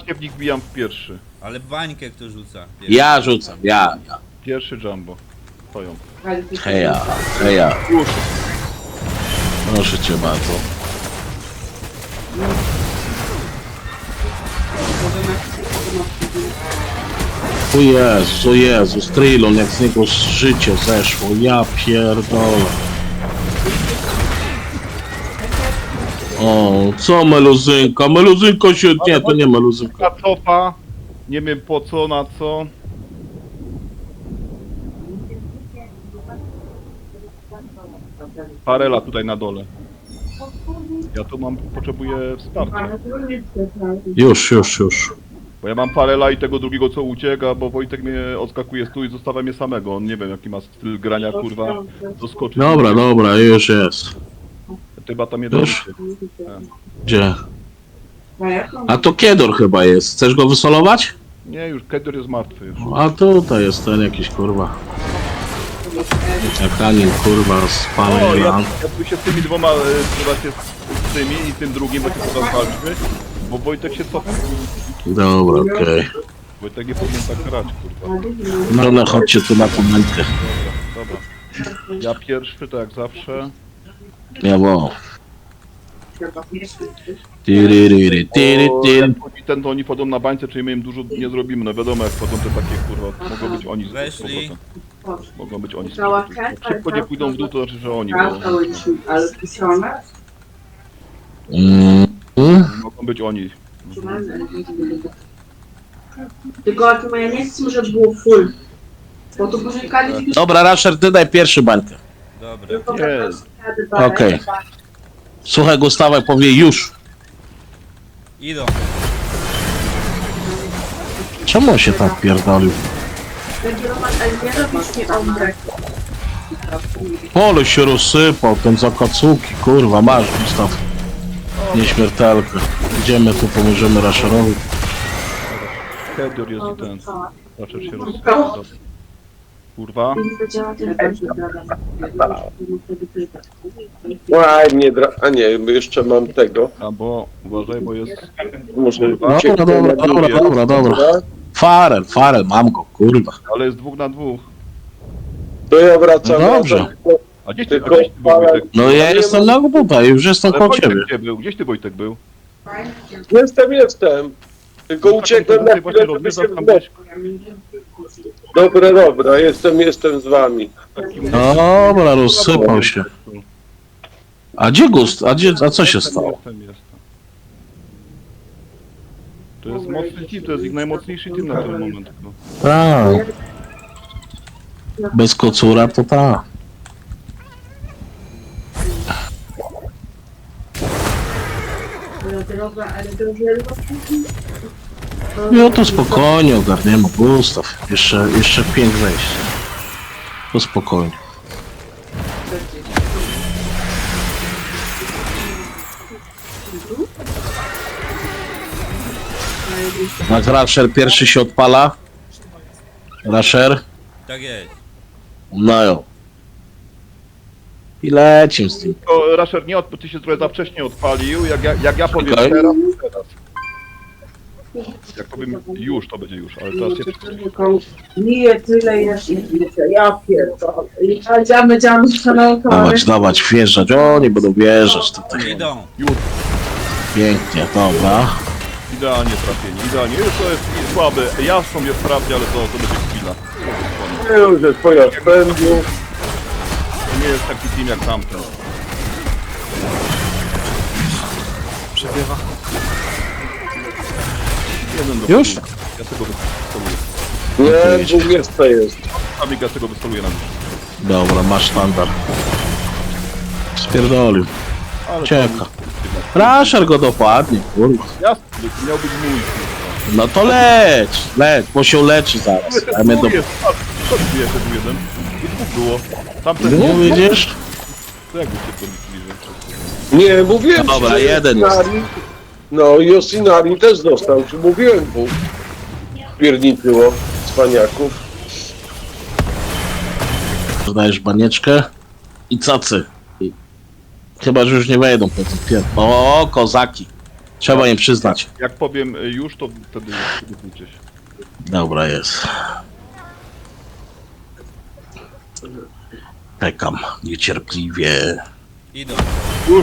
bańkę w nich wbijam w pierwszy. Ale bańkę kto rzuca? Ja rzucam, ja. Pierwszy jumbo. Stoją. Heja, heja. Proszę cię bardzo. O Jezus, Trilon, jak z niego życie zeszło, ja pierdolę. O, co meluzynka? Meluzynka się... Nie, to nie meluzynka. Ta cofa. Nie wiem po co, na co. Parela tutaj na dole. Ja tu potrzebuję wsparcia. Już. Bo ja mam Parela i tego drugiego co ucieka, bo Wojtek mnie odskakuje z tu i zostawia mnie samego. On nie wiem jaki ma styl grania, kurwa. Doskoczy. Dobra, już jest. Chyba tam Już? jeden. Gdzie? A to Kiedor chyba jest. Chcesz go wysolować? Nie, już Kedor jest martwy już. A tutaj jest ten jakiś kurwa. Jakanin kurwa z O, ja panem. tu się z tymi dwoma, chyba się z tymi i tym drugim, bo się teraz walczymy. Bo Wojtek się cofa. Dobra, okej. Wojtek nie powinien tak grać, kurwa. No chodźcie tu na komentkę. Dobra. Ja pierwszy, to jak zawsze. Jawo. Jak chodzi ten, to oni wchodzą na bańce, czyli my im dużo nie zrobimy. No wiadomo, jak wchodzą te takie, kurwa, mogą być oni z Weszli. powrotem. Mogą być oni z powrotem. Jak szybko nie pójdą w dół, to znaczy, że oni. Bo Ale pisane? mogą być oni. Tylko ja nie chcę, żeby było full. Bo tu później każdy... Dobra, Rasher, ty daj pierwszy bańkę. Dobra. Jest. Okej. Słuchaj, Gustawek powie już. Idą. Czemu on się tak pierdolił? Ale nie robisz mi ombrek. Pole się rozsypał, ten zakacuki, kurwa, masz Gustaw. Nieśmiertelkę. Idziemy tu, pomożemy Rasherowi. Kedor jest i ten. Zaczął się rozsypać. Kurwa. Łaj, nie dra... A nie, jeszcze mam tego. Albo uważaj, bo jest. Muszę Dobra. Farel, mam go, kurwa. Ale jest 2 na 2. To ja wracam. No dobrze. A gdzieś Tylko ty był Wojtek? No ja jestem na tutaj, już jestem Ale koło Wojtek ciebie. gdzie był? Gdzieś ty Wojtek był? Jestem. Tylko uciekłem na Właśnie chwilę, żeby się rozwiązał tam gdzieś. Dobra, jestem z wami. Dobra, rozsypał się. A gdzie Gust? A co się stało? Jestem. To jest mocny team, to jest ich najmocniejszy team na ten moment. No. Tak. Bez kocura to tak. No to spokojnie ogarniemy, Gustaw. Jeszcze 5 wejść. To spokojnie. Jak Rasher pierwszy się odpala. Rasher. Tak jest. No jo. I lecim z tym. To Rasher nie ty się trochę za wcześnie odpalił, jak ja powiem Okej. teraz. Jak powiem już, to będzie już, ale teraz się Nie, tyle jeszcze. Ja pierdolę. I będziemy szanować. Dawać, wjeżdżać. Oni będą wjeżdżać tutaj. Idą. Pięknie, dobra. idealnie trafieni, idealnie. Już to jest słabe, Jastrząb jest sprawnie, ale to będzie chwila. Już jest twoja spędził. To nie jest taki team jak tamten. Przegrywa. Jeden do Już? przodu. Ja tego wystoluję. Nie, 20 jest. Amik, ja tego wystoluję na mnie. Dobra, masz standard. Spierdolił. Ale Cieka. Rasher go dopadnie, kurwa. Jasny, miał być mój. kurwa. No to leć, bo się leczy zaraz. A my do... Tu jest, patrz, co tu jeszcze był jeden? I dwóch było. Tamten No widzisz? to jakby się to liczyli, że... Nie, mówiłem Dobra, ci, że jeden jest. Yosinari- No, Yosinari też dostał, ci mówiłem mu. Pierniczyło, cwaniaków. Dodajesz banieczkę i cacy. Chyba, że już nie wejdą po tym pier... O, kozaki. Trzeba im przyznać. Jak powiem już, to wtedy przygotujcie się. Dobra, jest. Czekam niecierpliwie. Idą. Już!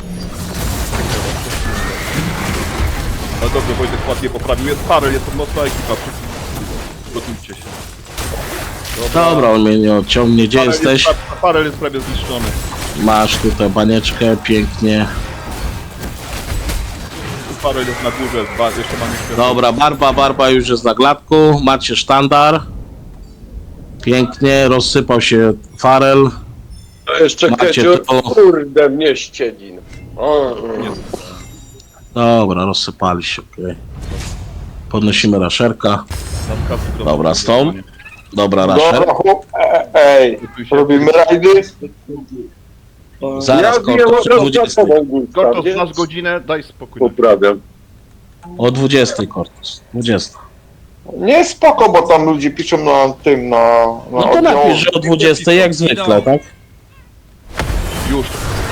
No dobrze, Wojtek ładnie poprawił. Jest parę, jest to mocna ekipa. Przygotujcie się. Dobra, on mnie nie odciągnie. Gdzie jesteś? Parel jest prawie zniszczony. Masz tutaj banieczkę, pięknie. Parel jest na górze, jeszcze mamy światło. Dobra, Barba już jest na gladku. Macie sztandar. Pięknie, rozsypał się farel. A jeszcze Macie Kecior, to. kurde mnie ścielin. O, Dobra, rozsypali się, okej. Podnosimy raszerka. Dobra, stąd. Dobra, raszer. Dobra, chłop, ej, robimy rajdy? Zaraz, ja wiem, Kortos, o że 20. za tobą Gustaw, Kortos, nie? masz godzinę, daj spokój. Poprawiam. O 20, Kortos. 20. Nie, spoko, bo tam ludzie piszą na tym, na No to oddział. napisz, że o 20 jak zwykle, tak? Już.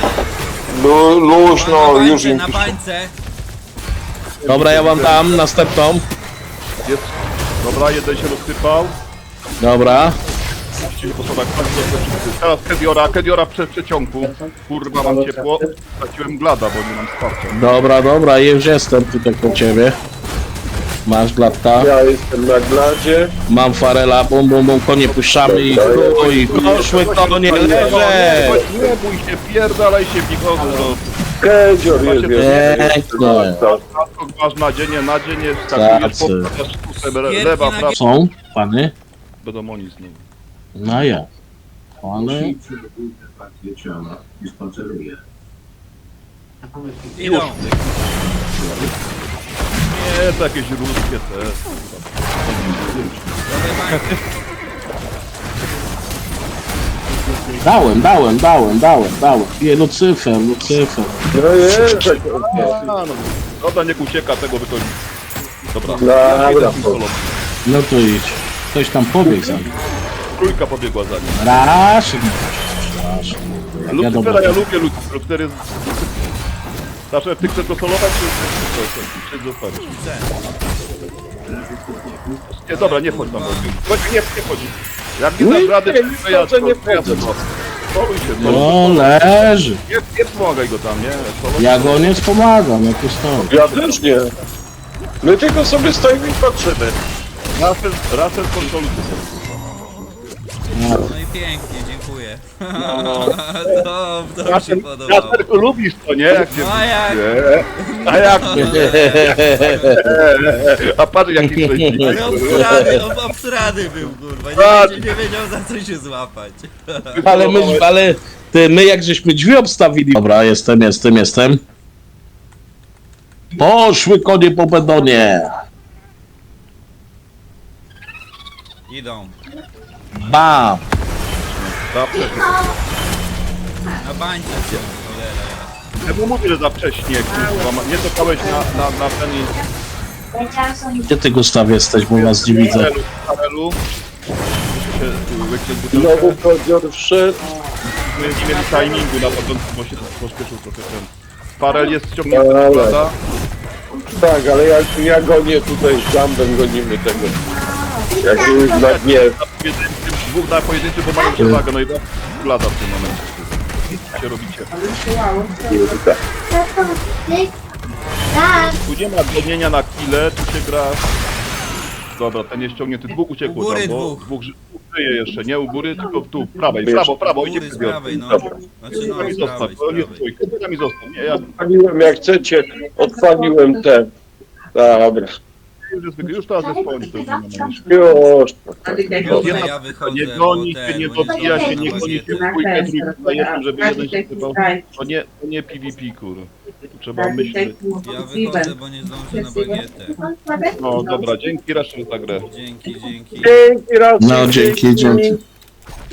Luźno, na już bańce, im na piszą. bańce. Dobra, ja wam dam następną. Jest. Dobra, jeden się rozsypał. Dobra. Musicie się posłuchać. Teraz Kediora w przeciągu. Kurwa, mam ciepło. Straciłem glada, bo nie mam wsparcia. Dobra, już jestem tutaj po ciebie. Masz glatka. Ja jestem na gladzie. Mam farela, bum, konie puszczamy i poszły konie, leże! Nie bój się, pierdalaj się w nikogo. Kecior jest Pięknie. Masz nadzienie, skakujesz po lewa, prawa. Są, pany? Będą oni znowu. No ja. Ale... Idą. Nie, to jakieś ruskie te. Dawaj bańkę. Dałem. Je, Lucyfer. No jest. A, no, dobra, niech ucieka, tego wychodzi. Dobra, Dobra. jeden solo. No to idź. Ktoś tam pobiegł za nim. Trójka pobiegła za nim. Rasz. Lucyfera ja lubię, Lucyfer jest... Zawsze ty chcesz go solować, czy zostawisz? Nie, dobra, nie wchodź tam. Nie wchodź. Jak nie dasz rady, to ja to nie wchodzę. Soluj się, No leży. nie pomagaj go tam, nie? Soluj. Ja go nie wspomagam, jak to stoi. Ja też nie. My tylko sobie stoimy i patrzymy. Rasel kontroluje. No i pięknie, dziękuję. To mi się podobało. Rasel, lubisz to, nie? Jak się... A jak? Nie. A jak? A patrz jaki szczęśliwy. Ale obsrany był, kurwa. Nie wiedział za co się złapać. Ale my jak żeśmy drzwi obstawili. Dobra, jestem. Poszły konie po bedonie. Idą. Bam. Zawsze. Na bańce są, cholera. Ja mu mówię, że za wcześnie, kurwa. Nie czekałeś na ten Gdzie ty, Gustaw, jesteś, bo was nie widzę. Karelu. Znowu Kecior wszedł. My nie mieli timingu na początku, bo się pośpieszył trochę ten. Parel jest ściągnięty Ale- z glada. Tak, ale ja gonię tutaj z Jambem, gonimy tego. Jak już na dnie. Dwóch na pojedynczy, bo mają przewagę, no i da glada w tym momencie. Co się robicie? Tu nie ma gonienia na kile, tu się gra... Dobra, ten jest ściągnięty, dwóch uciekło U góry tam, bo dwóch. dwóch żyje jeszcze, nie u góry, tylko tu, prawej, prawo, U idzie góry z Kedior. prawej, no. Dobra. Znaczy no, Nami z zostaw, prawej, bo z nie prawej. stój, nami zostaw, nie, ja Odpaliłem jak chcecie, odpaliłem te. Dobra. już teraz jest koniec, to już nie ma najmniejszych. Już. Dobra, ja wychodzę, Nie bo goni ten, się, nie bo dobija się, nie zdążę goni się, na dwójkę, trójkę, jestem, żeby jeden się chyba... To nie PvP, kur. Tu trzeba myśleć. Ja wychodzę, bo nie zdążę na bagietę. No dobra, dzięki Raszel za grę. Dzięki. Dzięki raz. No, dzięki.